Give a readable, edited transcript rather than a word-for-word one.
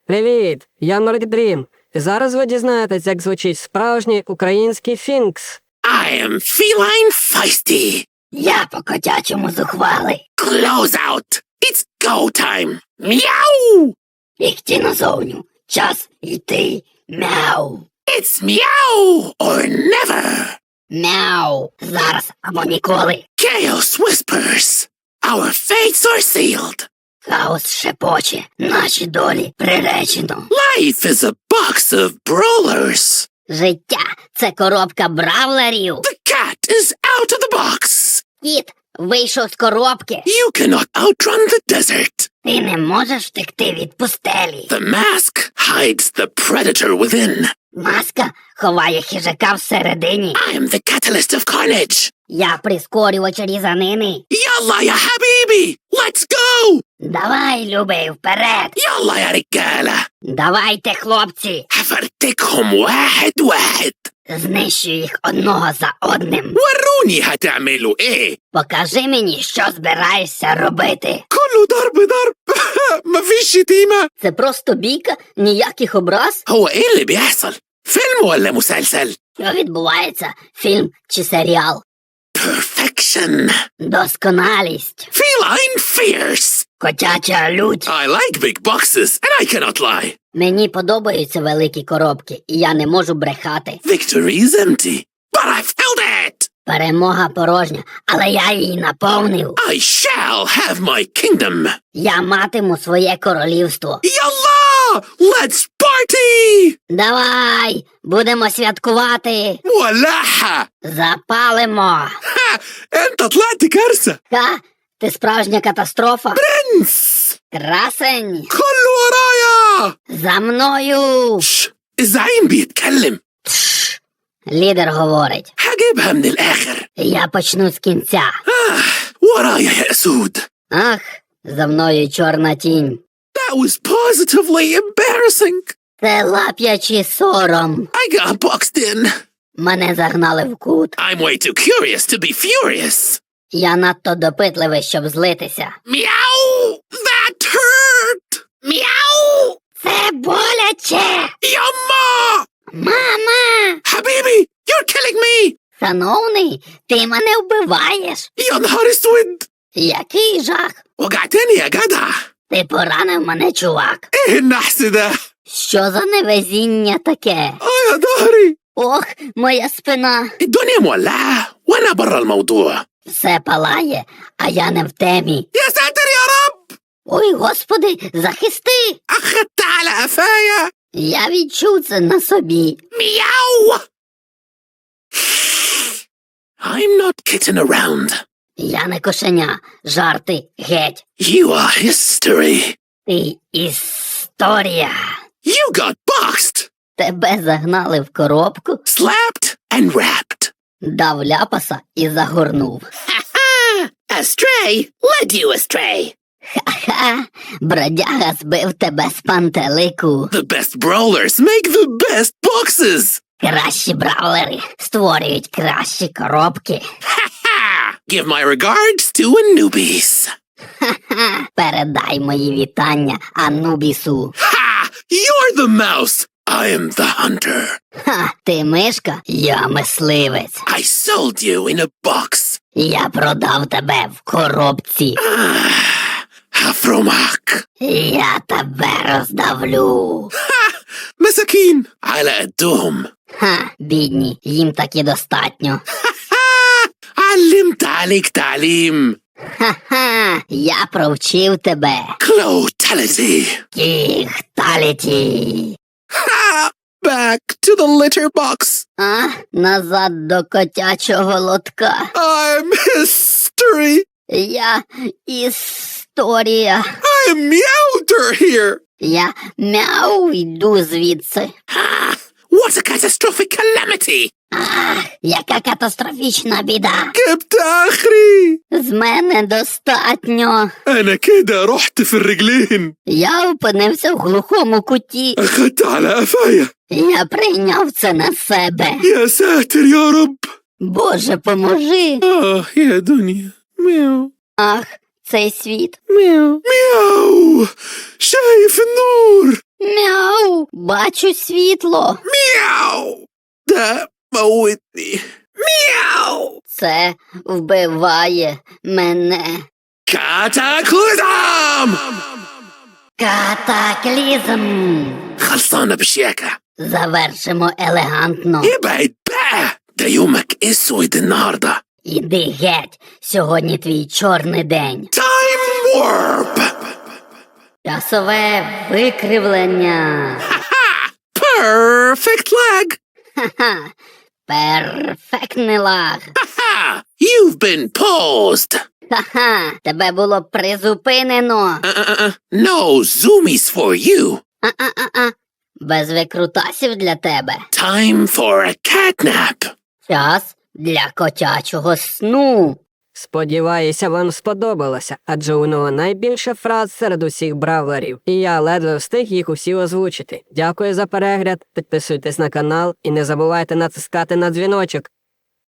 Привіт, я Мордідрім. Зараз ви дізнаєтесь, як звучить справжній український фінкс. I am feline feisty. Я по-котячому зухвалий. Close out. It's go time. Meow. Ікті назовню. Час йти. Мяу. It's meow or never. Мяу. Зараз або ніколи. Chaos whispers. Our fates are sealed. Хаос шепоче. Наші долі приречено. Life is a box of brawlers. Життя – це коробка бравлерів. The cat is out of the box. Кіт вийшов з коробки. You cannot outrun the desert. Ти не можеш втекти від пустелі. The mask hides the predator within. Маска ховає хижака всередині. I am the catalyst of carnage. Я прискорювач різанини. Yalla ya habibi. Let's go. Давай, любий, вперед. Yalla ya رجالة. Давайте, хлопці. هفرتكهم واحد واحد. Знищу їх одного за одним. وروني هتعملوا ايه. Покажи мені, що збираєшся робити. كله ضرب ضرب. مفيش شتيمة. Це просто бійка, ніяких образ. هو ايه اللي بيحصل؟ فيلم ولا مسلسل؟ Що відбувається? Фільм чи серіал? Perfection. Досконалість. Feline fierce. Котяча лють. I like big boxes and I cannot lie. Мені подобаються великі коробки, і я не можу брехати. Victory is empty. But I filled it. Перемога порожня, але я її наповнив. I shall have my kingdom. Я матиму своє королівство. Yalla! Let's party! Давай, будемо святкувати. ولعها. Запалимо. ها! انت طلعت كارثة. Ха, ти справжня катастрофа. برنس. Красень. كله ورايا. За мною. شش. الزعيم بيتكلم. Лідер говорить. هجيبها من الآخر. Я почну з кінця. ورايا يا أسود. Ах, за мною чорна тінь. That was positively embarrassing. Це лап'ячий сором. I got boxed in. Мене загнали в кут. I'm way too curious to be furious. Я надто допитливий, щоб злитися. Meow! That hurt! Meow! Це боляче! Yumma! Мама! Habibi, you're killing me! Шановний, ти мене вбиваєш. يا نهار اسود! Який жах! وجعتني يا جدع! Ти поранив мене, чувак. ايه النحس ده؟ Що за невезіння таке? يا ظهري! Ох, моя спина. الدنيا مولعة وانا برا الموضوع. Все палає, а я не в темі. يا ساتر يا رب! Ой, господи, захисти! أخدت على قفايا. Я відчув це на собі. Meow! I'm not kidding around. Я не кошеня. Жарти геть. You are history. Ти історія. You got boxed, Тебе загнали в коробку, slapped, and wrapped. дав ляпаса і загорнув. Ha! Astray led you astray. Ха-ха, бродяга збив тебе з пантелику. The best brawlers make the best boxes. Кращі бравлери створюють кращі коробки. Ha! Give my regards to Anubis. Ха-ха, передай мої вітання Анубісу. Ha! You're the mouse. I am the hunter. Ха, ти мишка, я мисливець. I sold you in a box. Я продав тебе в коробці. Hafromak. Я тебе роздавлю. Ha! مساكين على قدهم. Ха, бідні, їм таки достатньо. Ha! علمت عليك تعليم. Ха-ха, я провчив тебе. Clotality. Кіхталіті. Ha! Back to the litter box. А, назад до котячого лотка. I'm history. Я історія. I'm Meowder here. Я мяу йду звідси. Ha! What a catastrophic calamity. Ах, яка катастрофічна біда. جبت آخري. З мене достатньо. أنا كده رحت في الرجلين. Я опинився в глухому куті. أخدت على قفايا. Я прийняв це на себе. يا ساتر يا رب. Боже, поможи. يا دنيا. مياو. Ах, цей світ. مياو. مياو. شايف النور. Мяу. Бачу світло. Meow! Да, Уитні. Meow! Це вбиває мене. Катаклизм! Катаклізм. خلصانة بشياكة. Завершимо елегантно. ابعد بقى. ده يومك اسود النهاردة. Іди геть. Сьогодні твій чорний день. Time warp! Часове викривлення. Perfect lag! Ха-ха. Перфектний лаг. Ha! You've been paused! Ха-ха. Тебе було призупинено. No zoomies for you. А-а-а-а. Без викрутасів для тебе. Time for a catnap. Час для котячого сну. Сподіваюся, вам сподобалося, адже у нього найбільше фраз серед усіх бравлерів, і я ледве встиг їх усі озвучити. Дякую за перегляд, підписуйтесь на канал і не забувайте натискати на дзвіночок.